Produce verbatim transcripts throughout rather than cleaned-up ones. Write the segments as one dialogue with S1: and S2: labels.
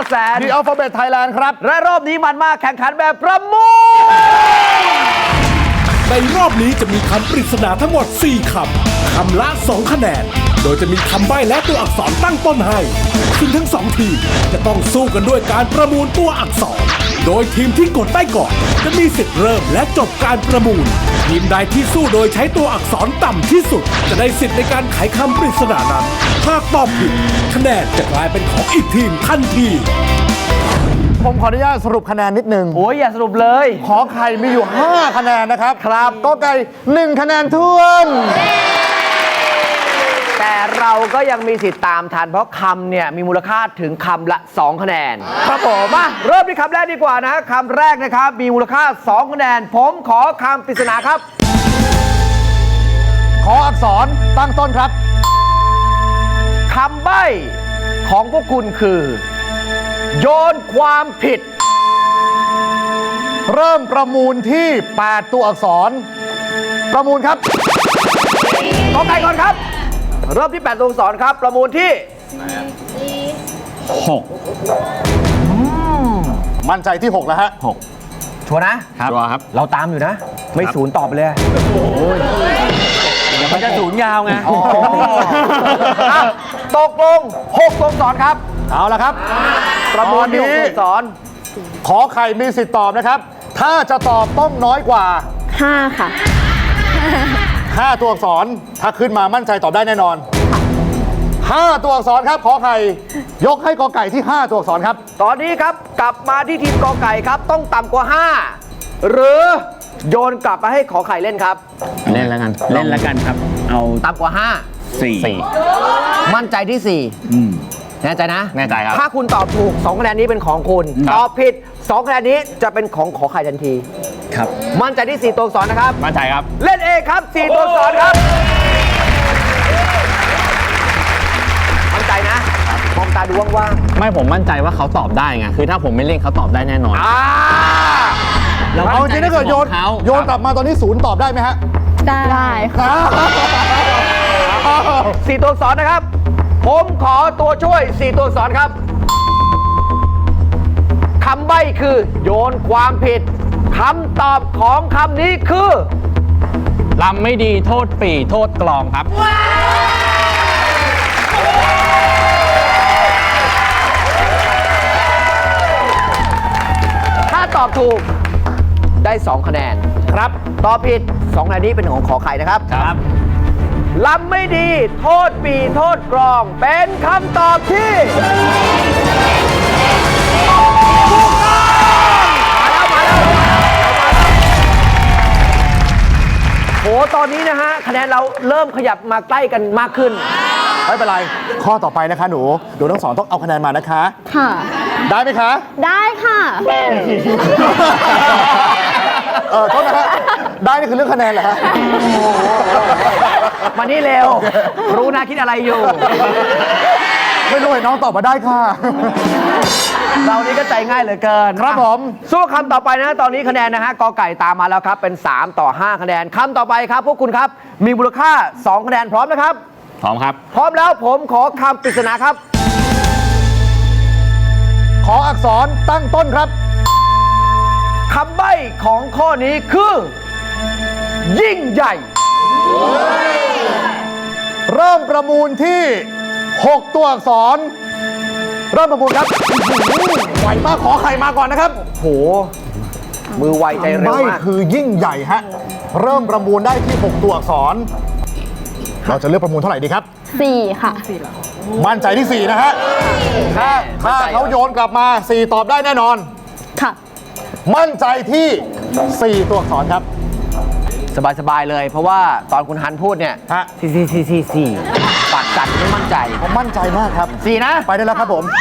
S1: แสน
S2: The Alphabet Thailand ครับ
S1: และรอบนี้มันมากแข่งขันแบบประมูล
S3: ในรอบนี้จะมีคำปริศนาทั้งหมดสี่คำคำละสองคะแนนโดยจะมีคำใบ้และตัวอักษรตั้งต้นให้ซึ่งทั้งสองทีมจะต้องสู้กันด้วยการประมูลตัวอักษรโดยทีมที่กดได้ก่อนจะมีสิทธิ์เริ่มและจบการประมูลทีมใดที่สู้โดยใช้ตัวอักษรต่ำที่สุดจะได้สิทธิ์ในการไขคำปริศนานั้นหากตอบผิดคะแนนจะกลายเป็นของอีกทีมทันที
S2: ผมขออนุญาตสรุปคะแนนนิดนึง
S1: โอ้ยอย่าสรุปเลย
S2: ขอไข่มีอยู่ ห้า คะแนนนะครับครับก็ไก่หนึ่งคะแนนท้วน
S1: แต่เราก็ยังมีสิทธิ์ตามทันเพราะคำเนี่ยมีมูลค่าถึงคำละสองคะแนนครับผมมาเริ่มที่คำแรกดีกว่านะคำแรกนะครับมีมูลค่าสองคะแนนผมขอคำปริศนาครับ
S2: ขออักษรตั้งต้นครับ
S1: คำใบ้ของพวกคุณคือโยนความผิด
S2: เริ่มประมูลที่แปดตัวอักษรประมูลครับ
S1: กอไก่ก่อนครับเริ่มที่แปดตัวอักษรครับประมูลที่
S2: หกมั่นใจที่หกแล้วฮะ
S1: หกชัวร์นะครับ
S2: ชัวร์ครับ
S1: เราตามอยู่นะไม่ศูนย์ตอบไปเลยโอ้ยมันจะศูนย์ยาวไงตกลงหกตัวอักษรครับ
S2: เอาละครับ
S1: ประมูลที่หกตัวอักษร
S2: ขอไข่มีสิทธิ์ตอบนะครับถ้าจะตอบต้องน้อยกว่า
S4: ห้าค่ะ
S2: ห้าตัวอักษรถ้าขึ้นมามั่นใจตอบได้แน่นอนห้าตัวอักษรครับขอไข่ยกให้กอไก่ที่ห้าตัวอักษรครับ
S1: ตอนนี้ครับกลับมาที่ทีมกอไก่ครับต้องต่ำกว่าห้าหรือโยนกลับมาให้ขอไข่เล่นครับ
S5: เล่นแล้วกันเล่นแล้วกันครับเอา
S1: ต่ำกว่าห้า
S5: สี่
S1: มั่นใจที่สี่แน่ใจนะ
S5: แน่ใจครับ
S1: ถ้าคุณตอบถูกสองคะแนนนี้เป็นของคุณตอบผิดสองคะแนนนี้จะเป็นของขอไข่ทันที
S5: ครับ
S1: มั่นใจที่สี่ตัวอักษรนะครับ
S5: มั่นใจครับ
S1: เล่นเองครับสี่ตัวอักษรครับมั่นใจนะมองตาดูว่าง
S5: ๆไม่ผมมั่นใจว่าเขาตอบได้ไงคือถ้าผมไม่เล่นเขาตอบได้แน่นอน
S1: อ่า
S2: เอาจริงถ้าเกิดโยนโยนกลับมาตอนนี้ศูนย์ตอบได้ไหมฮะ
S4: ได้
S2: ค่ะ
S1: สี่ตัวอักษรนะครับผมขอตัวช่วยสี่ตัวอักษรครับคำใบ้คือโยนความผิดคำตอบของคำนี้คือ
S5: ลำไม่ดีโทษปีโทษกลองครับ
S1: ถ้าตอบถูกได้สองคะแนนครับตอบผิดสองคะแนนนี้เป็นของขอไข่นะครับ
S5: ครับ
S1: ลำไม่ดีโทษปีโทษกลองเป็นคำตอบที่ถูกต้องมาแล้วมาแล้วโหตอนนี้นะฮะคะแนนเราเริ่มขยับมาใกล้กันมากขึ้น
S2: ไม่เป็นไรข้อต่อไปนะคะหนูหนูทั้งสองต้องเอาคะแนนมานะคะ
S4: ค่ะ
S2: ได้ไหมคะ
S4: ได้ค่ะ
S2: เออโทษนะฮะได้นี่คือเรื่องคะแนนเหรอฮะ
S1: มานี่เร็วรู้นะคิดอะไรอยู่
S2: ไม่รู้ไอ้น้องตอบมาได้ค่ะ
S1: เรานี่ก็ใจง่ายเหลือเกิน
S2: ครับผม
S1: สู้คำต่อไปนะตอนนี้คะแนนนะฮะกอไก่ตามมาแล้วครับเป็นสามต่อห้าคะแนนคำต่อไปครับพวกคุณครับมีมูลค่าสองคะแนนพร้อมนะครับ
S5: พร้อมครับ
S1: พร้อมแล้วผมขอคำปริศนาครับ
S2: ขออักษรตั้งต้นครับ
S1: คำใบ้ของข้อนี้คือยิ่งใหญ่
S2: เริ่มประมูลที่หกตัวอักษรเริ่มประมูลครับไวมากขอไข่มาก่อนนะครับ
S1: โหมือไวใจเร็วมาก
S2: คือยิ่งใหญ่ฮะเริ่มประมูลได้ที่หกตัวอักษรเราจะเลือกประมูลเท่าไหร่ดีครับ
S4: สี่ค่ะ
S2: มั่นใจที่สี่นะฮะถ้าถ้าเขาโยนกลับมาสี่ตอบได้แน่นอน
S4: ค่ะ
S2: มั่นใจที่สี่ตัวอักษรครับ
S1: สบายๆเลยเพราะว่าตอนคุณฮันพูดเนี่ยสี่สี่สี่สี่สี่ปากจัดไม่มั่นใจ
S2: ผมมั่นใจมากครับ
S1: สี่นะ
S2: ไปได้แล้วครับผม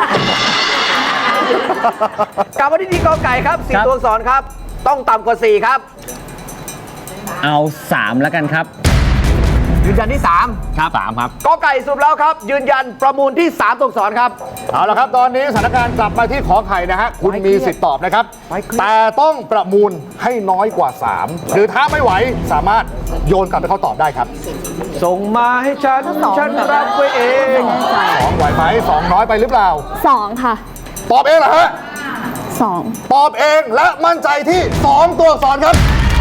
S1: กลับมาที่ทีกอไก่ครับสี่ตัวอักษรครับต้องต่ำกว่าสี่ครับ
S5: เอาสามแล้วกันครับ
S1: ยืนยันที่สาม
S5: ครับสามครับ
S1: กอไก่สรุปแล้วครับยืนยันประมูลที่สามตัวอักษรครับ
S2: เอาละครับตอนนี้สถานการณ์กลับมาที่ขอไข่นะฮะคุณมีสิทธิ์ตอบนะครับแต่ต้องประมูลให้น้อยกว่าสามหรือถ้าไม่ไหวสามารถโยนกลับไปเขาตอบได้ครับ
S1: ส่งมาให้ฉันฉันรับไว้เอง
S2: สองไหวไหมสองน้อยไปหรือเปล่า
S4: สองค่ะ
S2: ตอบเองเหรอฮะ
S4: สอง
S2: ตอบเองและมั่นใจที่สองตัวอักษรครับ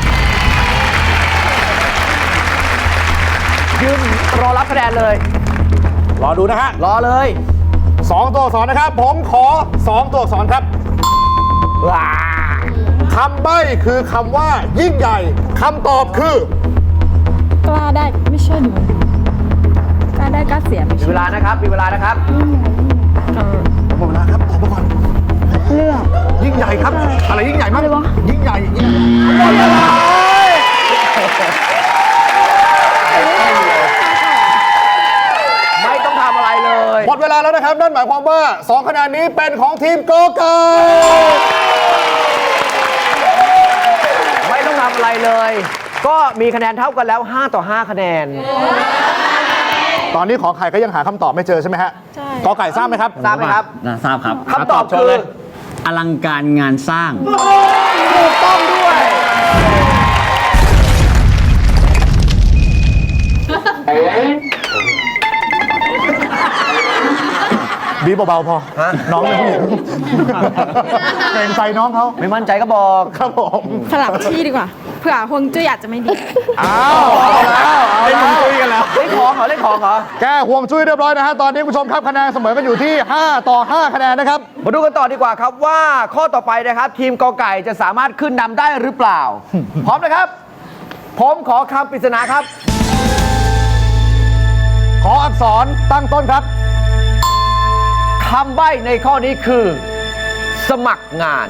S1: ยืนรอรับคะแนนเลย
S2: รอดูนะฮะ
S1: รอเลย
S2: สองตัวอักษรนะครับ ผมขอสองตัวอักษรครับ
S1: ว้า
S2: คำใบ้คือคำว่ายิ่งใหญ่คำตอบคือก
S4: ล้าได้ไม่เชื่อหนูกล้าได้กล้าเสียไม่
S1: มี
S4: เชื่
S1: เว
S4: อ
S1: ลานะครับ มีเวลานะครับ
S2: หมดเวลาครับตอบมาก่อน
S4: เลือก
S2: ยิ่งใหญ่ครับ อะไรยิ่งใหญ่มาก
S4: อะไรวะ
S2: ยิ่งใหญ่ยิ่งใหญ่
S1: หมดเวลาไม่ต้องทำอะไรเลย
S2: หมดเวลาแล้วนะครับ นั่นหมายความว่าสองคะแนนนี้เป็นของทีมกอไก่
S1: ไม่ต้องทำอะไรเลย ก็มีคะแนนเท่ากันแล้วห้าต่อห้าคะแนน
S2: ตอนนี้ขอไข่ก็ยังหาคำตอบไม่เจอใช่ไหมฮะ
S4: ใช่
S2: กอไก่ทราบไหมครับ
S1: ทราบไหมครับ
S5: นะทราบครับ
S1: คำตอบคือ
S5: อลังการงานสร้าง
S1: ถูกต้องด้วย
S2: บีบเบาๆพอ น้องเป็นผู้หญิงเกรงใจน้องเขา
S1: ไม่มั่นใจก็บอก
S2: ครับผม
S6: สลับที่ดีกว่า เผื่อฮวงจุ้ยอาจจะไม่ดี
S2: อ้าวเอาแล้วเอาแล้ว
S1: คุยกันแล้วเล่นของเหรอเล่นของเหรอ
S2: แก้ห่วงจุ้ยเรียบร้อยนะฮะ ตอนนี้คุณผู้ชมครับคะแนนเสมอกันอยู่ที่ ห้า ต่อ ห้า คะแนนนะครับ
S1: มาดูกันต่อดีกว่าครับว่าข้อต่อไปนะครับ ทีมกอไก่จะสามารถขึ้นนำได้หรือเปล่า พร้อมนะครับ ผมขอคำปริศนาครับ
S2: ขออักษรตั้งต้นครับ
S1: คำใบ้ในข้อนี้คือ สมัครงาน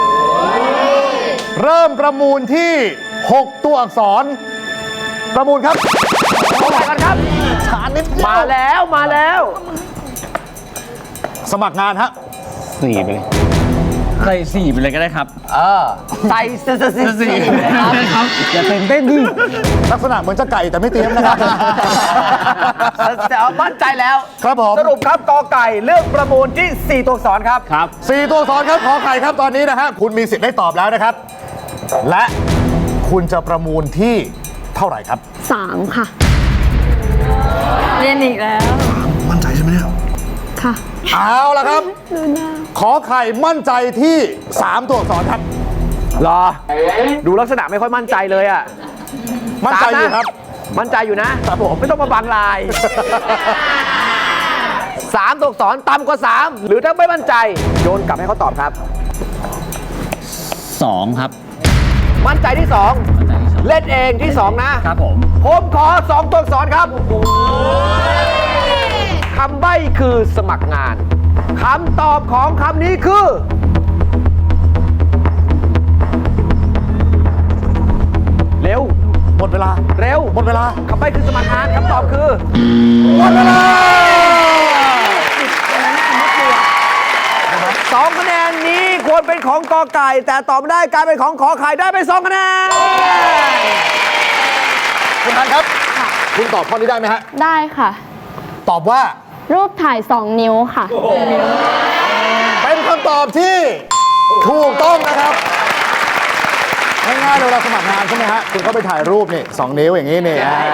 S2: เริ่มประมูลที่ หก ตัวอักษร ประมูลครับ
S1: เท่าไหร่กันครับ
S2: ช้านิดเดียว
S1: มาแล้วมาแล้ว
S2: สมัครงานฮะ
S5: สี่ไปเลยใส่สี่ไปเลยก็ได้ครับ
S1: เออ ใส่เสื้อเสื้อ
S5: สี่
S1: สี
S5: ไปเลยครับอย่าเต้นเต้นดิ
S2: ลักษณะเหมือนจะไก่แต่ไม่เตรียมนะครับ
S1: แต่เอามั่นใจแล้ว
S2: ครับผม
S1: สรุปครับกอไก่เลือกประมูลที่สี่ตัวอักษรครับ
S5: ครับ
S2: สี่ตัวอักษรครับขอไข่ครับตอนนี้นะฮะคุณมีสิทธิ์ได้ตอบแล้วนะครับ และคุณจะประมูลที่เท่าไหร่ครับ
S4: สามค่ะ
S6: เรียนอีกแล้ว
S2: มั่นใจใช่ไหมเนี่ย
S4: ค่ะ
S2: เอาละครับ ขอไข่มั่นใจที่ สาม ตัวอักษรครับ
S1: รอ ดูลักษณะไม่ค่อยมั่นใจเลยอ่ะ
S2: มั่นใจอยู่ครับ
S1: มั่นใจอยู่นะครับ
S2: ผม
S1: ไม่ต้องมาบังลายสามตัวอักษรต่ำกว่าสามหรือถ้าไม่มั่นใจ โยนกลับให้เขาตอบครับ
S5: สองครับ
S1: มั่นใจที่สอง
S5: มั่นใจที่สอง
S1: เล่นเองที่สองนะ
S5: ครับผม
S1: ผมขอสองตัวอักษรครับคำใบ้คือสมัครงานคำตอบของคำนี้คือ เร็ว
S2: หมดเวลา
S1: เร็ว
S2: หมดเวลา
S1: คำใบ้คือสมัครงานคำตอบคือ
S2: หมดเวลา
S1: สองคะแนนนี้ควรเป็นของกอไก่ แต่ตอบไม่ได้กลายเป็นของขอไข่ได้ไปสองคะแนน
S2: คุณทันครับ คุณตอบข้อนี้ได้ไหมฮะ
S4: ได้ค่ะ
S2: ตอบว่า
S4: รูปถ่ายสองนิ้วค่ะ
S2: เป็นคำตอบที่ถูกต้องนะครับ ง่ายๆเลยเวลาสมัครงานใช่ไหมฮะ คุณก็ไปถ่ายรูปนี่สองนิ้วอย่างนี้นี่อ่า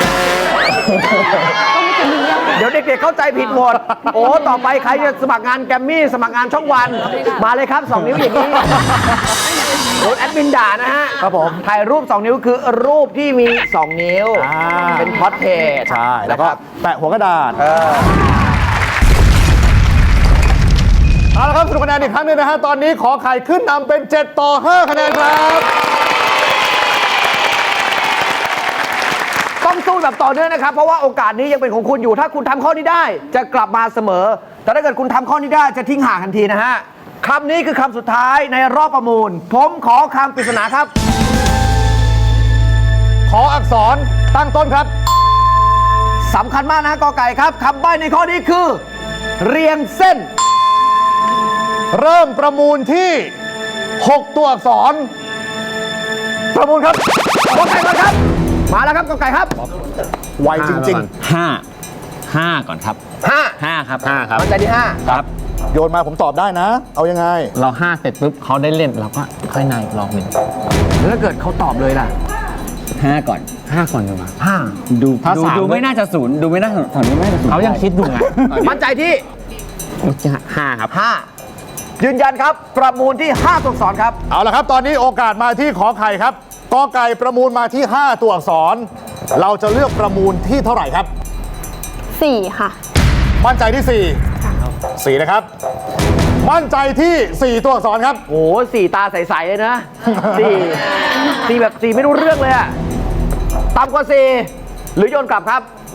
S1: เดี๋ยวเด็กๆเข้าใจผิดหมด โอ้ต่อไปใครจะสมัครงานแกรมมี่สมัครงานช่องวัน มาเลยครับสองนิ้วอย่างนี้โดนแอดมินด่านะฮะ
S2: ครับผม
S1: ถ่ายรูปสองนิ้วคือรูปที่มีสองนิ้ว
S2: อ่า
S1: เป็นพอร์เทรต
S2: ใช่ แล้วก็
S1: นะครับ
S2: แปะหัวกระดาษ
S1: เออ
S2: เอาละครับสรุปคะแนนอีกครั้งหนึงนะฮะ ตอนนี้ขอไข่ขึ้นนำเป็น เจ็ด ต่อ ห้า คะแนนครับ
S1: ต้องสู้แบบต่อเนื่องนะครับ เพราะว่าโอกาสนี้ยังเป็นของคุณอยู่ ถ้าคุณทำข้อนี้ได้ จะกลับมาเสมอ แต่ถ้าเกิดคุณทำข้อนี้ได้จะทิ้งห่างทันทีนะฮะคำนี้คือคำสุดท้ายในรอบประมูล ผมขอคำปริศนาครับ
S2: ขออักษรตั้งต้นครับ
S1: สำคัญมากนะกอไก่ครับคำใบ้ในข้อนี้คือ เรียงเส้น
S2: เริ่มประมูลที่ หก ตัวอักษร ประมูลครับ
S1: กอไก่มาครับ มาแล้วครับกอไก่ครับ
S2: ไวจริง
S5: ห้า ห้าก่อนครับ
S1: ห้า
S5: ห้าครับห้าครับ
S1: มั่นใจที่ห้า
S5: ครับ
S2: ๆ โยนมาผมตอบได้นะ เอายังไง
S5: เราห้าเสร็จปุ๊บเขาได้เล่นเราก็ค่อยในรอบหนึ่ง
S1: แล้วถ้าเกิดเขาตอบเลยล่ะ
S5: ห้าก่อนห้าก่อนดีกว่า
S1: ห้า
S5: ดูดูดูไม่น่าจะศูนย์ดูไม่น่าศูนย์ไม่น่าจะศูนย์เขายังคิดอยู่ไง
S1: มั่นใจที่
S5: ห้าครับ
S1: ห้ายืนยันครับประมูลที่ห้าตัวอักษรครับ
S2: เอาละครับ ตอนนี้โอกาสมาที่ขอไข่ครับกอไก่ประมูลมาที่ ห้า ตัวอักษร เราจะเลือกประมูลที่เท่าไหร่ครับ
S4: สี่ค่ะ
S2: มั่นใจที่สี่สี่นะครับ มั่นใจที่สี่ตัวอักษรครับ
S1: โอ้โหสี่ตาใส ๆ เลยนะสี่สี่แบบสี่ไม่รู้เรื่องเลยอะต่ำกว่าสี่หรือโยนกลับครับ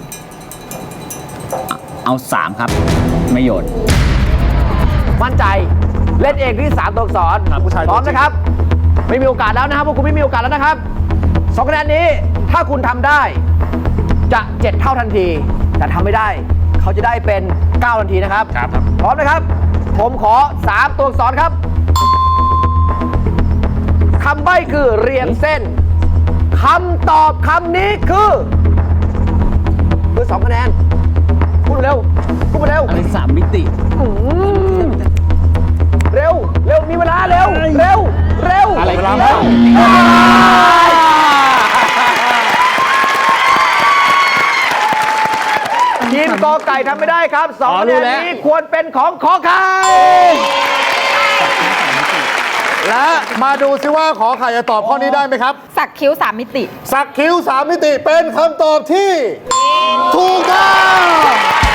S5: เอาสามครับ ไม่โยน
S1: มั่นใจเล่นเองที่สามตัวอักษร
S2: ครับผู้ชาย
S1: พร้อม
S2: ตัวจริง
S1: นะครับ ไม่มีโอกาสแล้วนะครับพวกคุณไม่มีโอกาสแล้วนะครับสองคะแนนนี้ถ้าคุณทำได้จะเจ็ดเท่าทันที แต่ทำไม่ได้ เขาจะได้เป็นเก้าทันทีนะครับ
S2: ครับ
S1: พร้อมนะครับ ผมขอสามตัวอักษรครับคำใบ้คือเรียงเส้นคำตอบคำนี้คือคือสองคะแนนพูดเร็วพูดมาเร็ว
S5: อะไรสามมิติ
S1: เร็ว เร็ว มีเวลา เร็ว เร็ว เร็ว
S5: อะไร
S2: เวลา
S5: ที่
S2: แล้ว
S1: ทีมกอไก่ทำไม่ได้ครับสอง
S5: อ๋อ
S1: คะ
S5: รู้
S1: แนน
S5: แล้ว
S1: นี้ควรเป็นของขอไข่
S2: และมาดูซิว่าขอไข่จะตอบข้อนี้ได้ไหมครับ
S6: สักคิ้วสามมิติ
S2: สักคิ้วสามมิติเป็นคำตอบที่ ถูกต้อง